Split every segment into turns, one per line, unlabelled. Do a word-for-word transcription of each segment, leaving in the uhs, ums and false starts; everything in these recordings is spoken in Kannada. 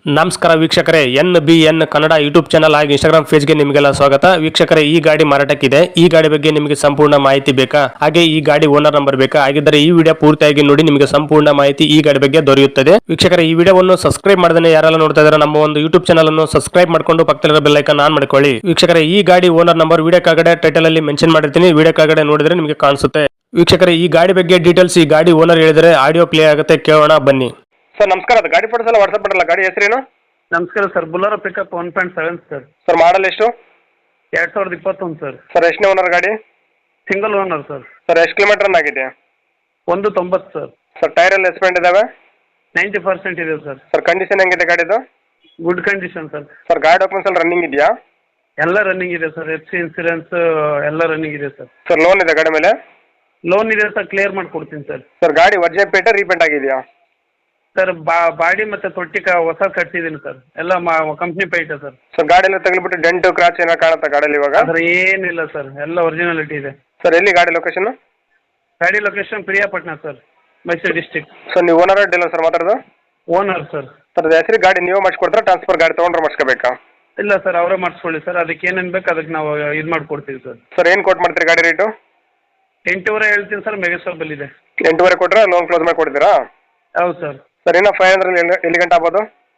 ನಮಸ್ಕಾರ ವೀಕ್ಷಕರೇ, N B N Kannada YouTube channel ಹಾಗೂ ಇನ್ಸ್ಟಾಗ್ರಾಮ್ ಪೇಜ್ಗೆ ನಿಮಗೆಲ್ಲ ಸ್ವಾಗತ. ವೀಕ್ಷಕರೇ, ಈ ಗಾಡಿ ಮಾರಾಟಕ್ಕಿದೆ. ಈ ಗಾಡಿ ಬಗ್ಗೆ ನಿಮಗೆ ಸಂಪೂರ್ಣ ಮಾಹಿತಿ ಬೇಕಾ? ಹಾಗೆ ಈ ಗಾಡಿ ಓನರ್ ನಂಬರ್ ಬೇಕಾ? ಹಾಗಿದ್ದರೆ ಈ ವಿಡಿಯೋ ಪೂರ್ತಿಯಾಗಿ ನೋಡಿ, ನಿಮಗೆ ಸಂಪೂರ್ಣ ಮಾಹಿತಿ ಈ ಗಾಡಿ ಬಗ್ಗೆ ದೊರೆಯುತ್ತದೆ. ವೀಕ್ಷಕರೇ, ಈ ವಿಡಿಯೋವನ್ನು ಸಬ್ಸ್ಕ್ರೈಬ್ ಮಾಡದೇ ಯಾರೆಲ್ಲ ನೋಡ್ತಾ ಇದ್ದಾರೆ ನಮ್ಮ ಒಂದು ಯೂಟ್ಯೂಬ್ ಚಾನಲ್ ಅನ್ನು ಸಬ್ಸ್ಕ್ರೈಬ್ ಮಾಡ್ಕೊಂಡು ಪಕ್ಕದಲ್ಲಿರೋ ಬೆಲ್ ಐಕಾನ್ ಆನ್ ಮಾಡ್ಕೊಳ್ಳಿ. ವೀಕ್ಷಕರೇ, ಈ ಗಾಡಿ ಓನರ್ ನಂಬರ್ ವಿಡಿಯೋ ಕೆಳಗಡೆ ಟೈಟಲ್ ಅಲ್ಲಿ ಮೆನ್ಷನ್ ಮಾಡಿರ್ತೀನಿ, ವಿಡಿಯೋ ಕೆಳಗಡೆ ನೋಡಿದ್ರೆ ನಿಮಗೆ ಕಾಣಿಸುತ್ತೆ. ವೀಕ್ಷಕರೇ, ಈ ಗಾಡಿ ಬಗ್ಗೆ ಡೀಟೇಲ್ಸ್ ಈ ಗಾಡಿ ಓನರ್ ಹೇಳಿದರೆ ಆಡಿಯೋ ಪ್ಲೇ ಆಗುತ್ತೆ, ಕೇಳೋಣ ಬನ್ನಿ. ಸರ್ ನಮಸ್ಕಾರ, ಅದು ಗಾಡಿ ಫೋಟೋಸ್ ಎಲ್ಲ ವಾಟ್ಸ್ಆಪ್ ಮಾಡಲ್ಲ. ಗಾಡಿ ಹೆಸರೇನು?
ನಮಸ್ಕಾರ sir, Bolero pickup one point seven sir.
Sir model ಎಷ್ಟು?
ಎರಡು ಸಾವಿರದ ಇಪ್ಪತ್ತೊಂದು ಸರ್.
ಸರ್ ಎಷ್ಟನೇ ಓನರ್ ಗಾಡಿ?
Single owner sir.
ಸರ್ ಎಷ್ಟು ಕಿಲೋಮೀಟರ್ ರನ್ ಆಗಿದೆ?
ಒಂದು ತೊಂಬತ್ತು ಸರ್.
ಸರ್ ಟೈರ್ ಎಲ್ಲ ಎಸ್ಪೆಂಟ್ ಇದಾವೆ?
ನೈಂಟಿ ಪರ್ಸೆಂಟ್ ಇದೆ ಸರ್.
ಸರ್ ಕಂಡೀಷನ್ ಹೆಂಗಿದೆ ಗಾಡಿದು?
Good condition sir.
ಸರ್ ಗಾಡಿ ಡಾಕ್ಯುಮೆಂಟ್ಸ್ ಎಲ್ಲ ರನ್ನಿಂಗ್ ಇದೆಯಾ?
ಎಲ್ಲ ರನ್ನಿಂಗ್ ಇದೆ ಸರ್. ಎಫ್ ಸಿ ಇನ್ಸೂರೆನ್ಸ್ ಎಲ್ಲ ರನ್ನಿಂಗ್ ಇದೆ ಸರ್.
ಸರ್ ಲೋನ್ ಇದೆ ಗಾಡಿ ಮೇಲೆ?
ಲೋನ್ ಇದೆ ಸರ್, ಕ್ಲಿಯರ್ ಮಾಡಿಕೊಡ್ತೀನಿ ಸರ್.
ಸರ್ ಗಾಡಿ ವರ್ಜೆ ಪೇಟೆ ರೀಪೇಂಟ್ ಆಗಿದೆಯಾ?
ಸರ್ ಬಾ ಬಾಡಿ ಮತ್ತು ತೊಟ್ಟಿ ಕ ಹೊಸ ಕಟ್ಸಿದ್ದೀನಿ ಸರ್. ಎಲ್ಲ ಮಾ ಕಂಪ್ನಿ ಪೈಟೆ ಸರ್.
ಸರ್ ಗಾಡಿ ಎಲ್ಲ ತಗ್ಲಿಬಿಟ್ಟು ಡೆಂಟು ಕ್ರಾಚ್ ಏನೋ ಕಾಣುತ್ತಾ ಗಾಡಿಯಲ್ಲಿ ಇವಾಗ?
ಅದ್ರ ಏನಿಲ್ಲ ಸರ್, ಎಲ್ಲ ಒರಿಜಿನಾಲಿಟಿ ಇದೆ.
ಸರ್ ಎಲ್ಲಿ ಗಾಡಿ ಲೊಕೇಶನ್?
ಗಾಡಿ location Priyapatna sir, Mysuru district.
Sir ನೀವು ಓನರ್ ಡೀಲರ್ ಸರ್ ಮಾತಾಡೋದು?
Owner sir.
ಸರ್ ಅದು ಹೆಸರು ಗಾಡಿ ನೀವು ಮಾಡಿಸ್ಕೊಡ್ತಾರೆ, ಟ್ರಾನ್ಸ್ಫರ್ ಗಾಡಿ ತೊಗೊಂಡ್ರೆ ಮಾಡಿಸ್ಕೋಬೇಕಾ?
ಇಲ್ಲ ಸರ್, ಅವರೇ ಮಾಡಿಸ್ಕೊಳ್ಳಿ ಸರ್. ಅದಕ್ಕೆ ಏನೇನು ಬೇಕು ಅದಕ್ಕೆ ನಾವು ಇದು ಮಾಡಿಕೊಡ್ತೀವಿ ಸರ್.
ಸರ್ ಏನು ಕೊಟ್ಟು ಮಾಡ್ತೀರಿ ಗಾಡಿ ರೇಟು?
ಎಂಟೂವರೆ ಹೇಳ್ತೀನಿ ಸರ್, ಮೆಗಾಸೋಬಲ್ ಇದೆ.
ಎಂಟೂವರೆ ಕೊಟ್ಟರೆ ಲೋನ್ ಕ್ಲೋಸ್ ಮಾಡಿ ಕೊಡ್ತೀರಾ?
ಹೌದು ಸರ್.
ಸರ್ ಇನ್ನೂ ಫೈವ್ ಹಂಡ್ರೆಡ್ ಎಲ್ಲಿ ಎಲ್ಲಿ ಗಂಟೆ ಆಗ್ಬೋದು?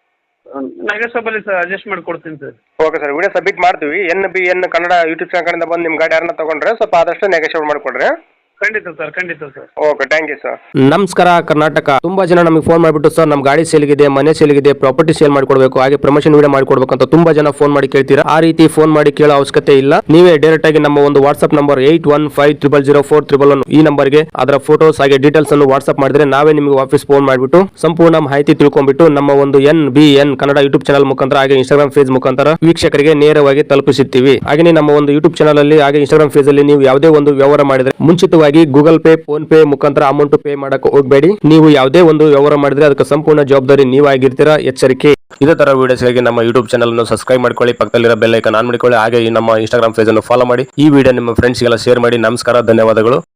ಮೆಗಾಸೋಬಲ್ ಸರ್, ಅಡ್ಜಸ್ಟ್ ಮಾಡಿ ಕೊಡ್ತೀನಿ sir.
Okay sir, video submit ಮಾಡ್ತೀವಿ. N B N Kannada YouTube channel ಕಡೆಯಿಂದ ಬಂದು ನಿಮ್ಮ ಗಾಡಿ ಯಾರನ್ನ ತೊಗೊಂಡ್ರೆ ಸ್ವಲ್ಪ ಆದಷ್ಟು ನೆಗೋಷಿಯೇಟ್ ಮಾಡಿಕೊಡ್ರಿ.
ಖಂಡಿತ ಸರ್, ಖಂಡಿತ sir.
Okay, thank you sir.
ನಮಸ್ಕಾರ ಕರ್ನಾಟಕ. ತುಂಬಾ ಜನ ನಮಗೆ ಫೋನ್ ಮಾಡಿಬಿಟ್ಟು ಸರ್ ನಮ್ಮ ಗಾಡಿ ಸೇಲ್ಗಿದೆ, ಮನೆ ಸೇಲ್ಗಿದೆ, ಪ್ರಾಪರ್ಟಿ ಸೇಲ್ ಮಾಡ್ಕೊಡ್ಬೇಕು, ಹಾಗೆ ಪ್ರಮೋಷನ್ ವಿಡಿಯೋ ಮಾಡ್ಕೊಡ್ಬೇಕು ಅಂತ ತುಂಬಾ ಜನ ಫೋನ್ ಮಾಡಿ ಕೇಳ್ತೀರಾ. ಆ ರೀತಿ ಫೋನ್ ಮಾಡಿ ಕೇಳೋ ಅವಶ್ಯಕತೆ ಇಲ್ಲ. ನೀವೇ ಡೈರೆಕ್ಟ್ ಆಗಿ ನಮ್ಮ ಒಂದು WhatsApp number eight one five triple zero four triple one ಈ ನಂಬರ್ಗೆ ಅದರ ಫೋಟೋಸ್ ಹಾಗೆ ಡೀಟೇಲ್ಸ್ ಅನ್ನು ವಾಟ್ಸ್ಆಪ್ ಮಾಡಿದ್ರೆ ನಾವೇ ನಿಮಗೆ ವಾಪಸ್ ಫೋನ್ ಮಾಡಿಬಿಟ್ಟು ಸಂಪೂರ್ಣ ಮಾಹಿತಿ ತಿಳ್ಕೊಂಡ್ಬಿಟ್ಟು ನಮ್ಮ ಒಂದು N B N Kannada YouTube channel ಮುಖಾಂತರ ಹಾಗೆ ಇನ್ಸ್ಟಾಗ್ರಾಮ್ ಪೇಜ್ ಮುಖಾಂತರ ವೀಕ್ಷಕರಿಗೆ ನೇರವಾಗಿ ತಲುಪಿಸುತ್ತೀವಿ. ಹಾಗೆ ನಮ್ಮ ಒಂದು ಯೂಟ್ಯೂಬ್ ಚಾನಲ್ ಅಲ್ಲಿ ಹಾಗೆ ಇನ್ಸ್ಟಾಗ್ರಾಮ್ ಪೇಜ್ ಅಲ್ಲಿ ನೀವು ಯಾವುದೇ ಒಂದು ವ್ಯವಹಾರ ಮಾಡಿದ್ರೆ ಮುಂಚಿತವಾಗಿ ಗೂಗಲ್ ಪೇ, ಫೋನ್ ಪೇ ಮುಖಾಂತರ ಅಮೌಂಟ್ ಪೇ ಮಾಡಕ್ಕೆ ಹೋಗಬೇಡಿ. ನೀವು ಯಾವುದೇ ಒಂದು ವ್ಯವಹಾರ ಮಾಡಿದ್ರೆ ಅದಕ್ಕೆ ಸಂಪೂರ್ಣ ಜವಾಬ್ದಾರಿ ನೀವಾಗಿರ್ತೀರಾ, ಎಚ್ಚರಿಕೆ. ಇದೇ ತರ ವಿಡಿಯೋಸ್ಗಾಗಿ ನಮ್ಮ ಯೂಟ್ಯೂಬ್ ಚಾನಲ್ ಅನ್ನು ಸಬ್ಸ್ಕ್ರೈಬ್ ಮಾಡ್ಕೊಳ್ಳಿ, ಪಕ್ಕದಲ್ಲಿರೋ ಬೆಲ್ ಐಕಾನ್ ಆನ್ ಮಾಡಿಕೊಳ್ಳಿ, ಹಾಗೆ ನಮ್ಮ ಇನ್ಸ್ಟಾಗ್ರಾಮ್ ಪೇಜ್ ಅನ್ನು ಫಾಲೋ ಮಾಡಿ. ಈ ವಿಡಿಯೋ ನಿಮ್ಮ ಫ್ರೆಂಡ್ಸ್ಗೆಲ್ಲ ಶೇರ್ ಮಾಡಿ. ನಮಸ್ಕಾರ, ಧನ್ಯವಾದಗಳು.